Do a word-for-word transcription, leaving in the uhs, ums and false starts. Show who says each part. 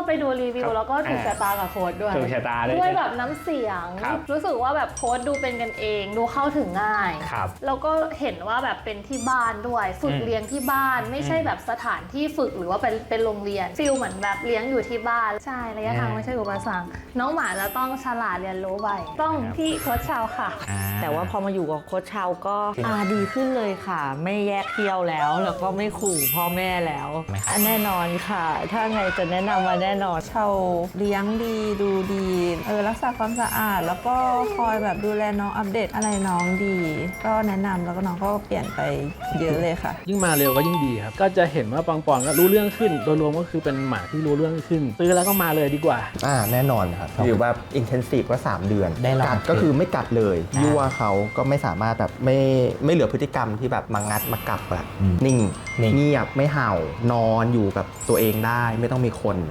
Speaker 1: ไปดูรีวิวแล้วก็ถูกชะตากับโค้ดด้วย
Speaker 2: ถูกชะตาด้วย
Speaker 1: ด้วยแบบน้ำเสียงรู้สึกว่าแบบโค้ดดูเป็นกันเองดูเข้าถึงง่ายแล้วก็เห็นว่าแบบเป็นที่บ้านด้วยฝึกเลี้ยงที่บ้านไม่ใช่แบบสถานที่ฝึกหรือว่าเป็นเป็นโรงเรียนฟิลเหมือนแบบเลี้ยงอยู่ที่บ้านใช่ระยะทางไม่ใช่อุปสรรคน้องหมาจะต้องฉลาดเรียนรู้ไวต้องที่โค้ชชาวค่ะ
Speaker 3: แต่ว่าพอมาอยู่กับโค้ชชาวก็อาดีขึ้นเลยค่ะไม่แยกเที่ยวแล้วแล้วก็ไม่ขู่พ่อแม่แล้วแน่นอนค่ะถ้าไงจะแนะนำมาแน่นอน
Speaker 4: ชาวเลี้ยงดีดูดีเออรักษาความสะอาดแล้วก็คอยแบบดูแลน้องอัปเดตอะไรน้องดีก็แนะนำแล้วก็น้องก็เปลี่ยนไปเยอะเลยค่ะ
Speaker 5: ยิ่งมาเร็วก็ยิ่งดีครับก็จะเห็นว่าปังปอนก็รู้เรื่องขึ้นโดยรวมก็คือเป็นหมาที่รู้เรื่องขึ้นซื้อแล้วก็มาเลยดีกว่า
Speaker 6: อ่าแน่นอนครับหรือว่าอินเทนซีฟก็สามเดือนกัดก็คือไม่กัดเลยยั่วเขาก็ไม่สามารถแบบไม่ไม่เหลือพฤติกรรมที่แบบมางัดมากัดแบบนิ่งเงียบไม่เห่านอนอยู่กับตัวเองได้ไม่ต้องมีคน